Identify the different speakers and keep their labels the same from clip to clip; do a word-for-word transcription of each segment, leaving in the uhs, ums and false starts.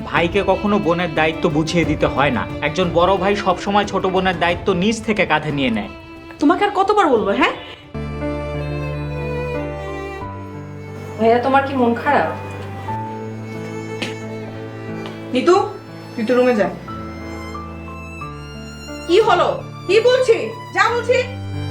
Speaker 1: ভাইকে কখনো বোনের দায়িত্ব বুঝিয়ে দিতে হয় না। একজন বড় ভাই সবসময় ছোট বোনের দায়িত্ব নিজ থেকে কাঁধে নিয়ে নেয়।
Speaker 2: তোমাকে আর কতবার বলবো? হ্যাঁ ভাইয়া, তোমার কি মন খারাপ? নিতু, তুই তো রুমে যা। কি হলো? কি বলছি? যা বলছি।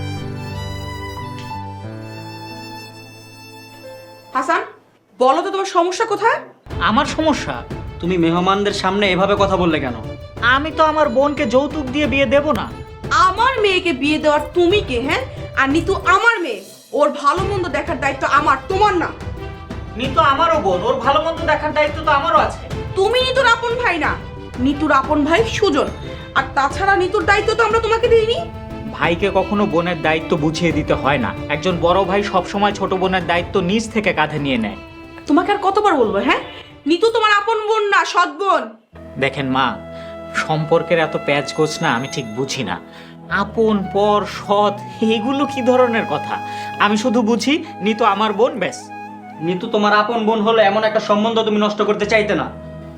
Speaker 2: হাসান, বলো তো তোমার সমস্যা কোথায়?
Speaker 1: আমার সমস্যা?
Speaker 3: তুমি মেহমানদের সামনে এভাবে কথা বললে কেন?
Speaker 1: আমি তো আমার বোনকে যৌতুক দিয়ে বিয়ে দেব না।
Speaker 2: আমার মেয়েকে বিয়ে দেওয়ার তুমি কে? হ্যাঁ, আর নিতু আমার মেয়ে, ওর ভালো মন্দ দেখার দায়িত্ব আমার, তোমার না।
Speaker 1: নিতু আমারও বোন, ওর ভালো মন্দ দেখার দায়িত্ব তো আমারও আছে।
Speaker 2: তুমি নিতুর আপন ভাই না, নিতুর আপন ভাই সুজন। আর তাছাড়া নিতুর দায়িত্ব তো আমরা তোমাকে দিইনি।
Speaker 1: ভাইকে কখনো বোনের দায়িত্ব বুঝিয়ে দিতে হয় না। একজন বড় ভাই সবসময় ছোট বোনের দায়িত্ব নিজ থেকে কাঁধে নিয়ে নেয়।
Speaker 2: তোমাকে আর কতবার বলবো? হ্যাঁ, নিতু তোমার আপন বোন না, সৎ বোন।
Speaker 1: দেখেন মা, সম্পর্কের এত প্যাচগোছ না আমি ঠিক বুঝি না। আপন, পর, সৎ, এগুলো কি ধরনের কথা? আমি শুধু বুঝি নিতু আমার বোন, ব্যাস।
Speaker 3: নিতু তোমার আপন বোন হলে এমন একটা সম্বন্ধ তুমি নষ্ট করতে চাইতে না।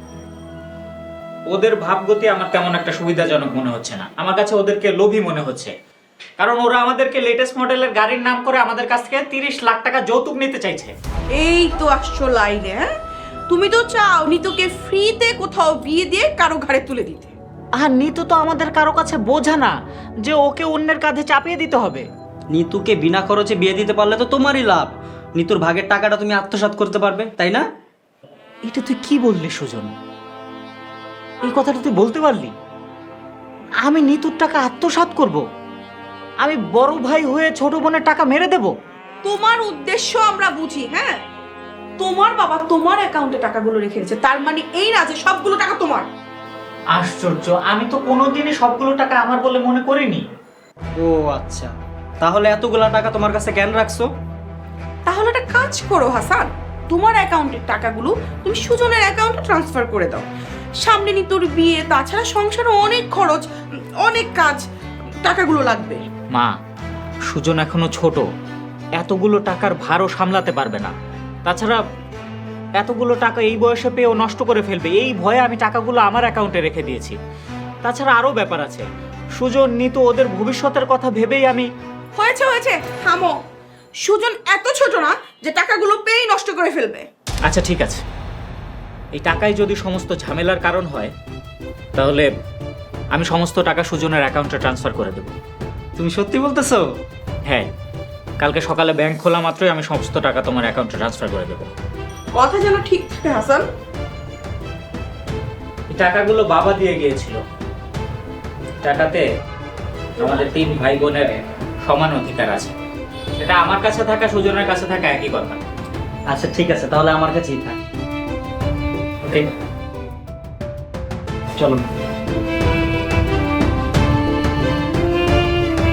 Speaker 1: ওদের ভাবগতি আমার তেমন একটা সুবিধাজনক মনে হচ্ছে না। আমার কাছে ওদেরকে লোভী মনে হচ্ছে, কারণ ওরা আমাদেরকে লেটেস্ট মডেলের গাড়ির নাম করে আমাদের কাছ থেকে তিরিশ লাখ টাকা যৌতুক নিতে চাইছে।
Speaker 2: এই তো আসছো লাইনে। হ্যাঁ, তুমি তো চাও নিতুকে ফ্রিতে কোথাও বিয়ে দিয়ে কারো ঘাড়ে তুলে দিতে।
Speaker 1: আর নিতু তো আমাদের কারো কাছে বোঝা না যে ওকে অন্যের কাঁধে চাপিয়ে দিতে হবে।
Speaker 3: নিতুকে বিনা খরচে বিয়ে দিতে পারলে তো তোমারই লাভ। নিতুর ভাগের টাকাটা তুমি আত্মসাৎ করতে পারবে, তাই না?
Speaker 1: এটা তুই কি বললি সুজন? এই কথাটা তুই বলতে পারলি? আমি নিতুর টাকা আত্মসাৎ করব? আমি বড় ভাই হয়ে ছোট বোনের টাকা মেরে দেব?
Speaker 2: তোমার উদ্দেশ্য আমরা বুঝি। হ্যাঁ, তোমার বাবা তোমার অ্যাকাউন্টে টাকাগুলো রেখে দিয়েছে, তার মানে এই না যে সবগুলো টাকা তোমার।
Speaker 1: আশ্চর্য, আমি তো কোনোদিনই সবগুলো টাকা আমার বলে মনে করিনি।
Speaker 3: ও আচ্ছা, তাহলে এতগুলা টাকা তোমার কাছে কেন রাখছো?
Speaker 2: তাহলে একটা কাজ করো হাসান, তোমার অ্যাকাউন্টের টাকাগুলো তুমি সুজনের অ্যাকাউন্টে ট্রান্সফার করে দাও। সামনে নি তোর বিয়ে, তাছাড়া সংসারে অনেক খরচ, অনেক কাজ, টাকাগুলো লাগবে।
Speaker 1: মা, সুজন এখনো ছোট, এতগুলো টাকার ভারও সামলাতে পারবে না। তাছাড়া এতগুলো টাকা এই বয়সে পেয়েও নষ্ট করে ফেলবে, এই ভয়ে আমি টাকাগুলো আমার অ্যাকাউন্টে রেখে দিয়েছি। তাছাড়া আরও ব্যাপার আছে, সুজন নিতু ওদের ভবিষ্যতের কথা ভেবেই আমি।
Speaker 2: হয়েছে হয়েছে, থামো। সুজন এত ছোট না যে টাকাগুলো পেয়েই নষ্ট করে ফেলবে।
Speaker 1: আচ্ছা ঠিক আছে, এই টাকাই যদি সমস্ত ঝামেলার কারণ হয়, তাহলে আমি সমস্ত টাকা সুজনের অ্যাকাউন্টে ট্রান্সফার করে দেব।
Speaker 3: তুমি সত্যি বলতেছো?
Speaker 1: হ্যাঁ, কালকে সকালে ব্যাংক খোলা মাত্রই আমি সমস্ত টাকা তোমার অ্যাকাউন্টে ট্রান্সফার করে দেবো।
Speaker 2: কথা যেন ঠিক থাকে হাসান।
Speaker 1: এই টাকাগুলো বাবা দিয়ে গিয়েছিল। টাকাতে আমাদের তিন ভাই বোনের সমান অধিকার আছে। এটা আমার কাছে থাকা সুজনের কাছে থাকা একই কথা।
Speaker 3: আচ্ছা ঠিক আছে, তাহলে আমার কাছেই থাক।
Speaker 1: ওকে,
Speaker 3: চলো।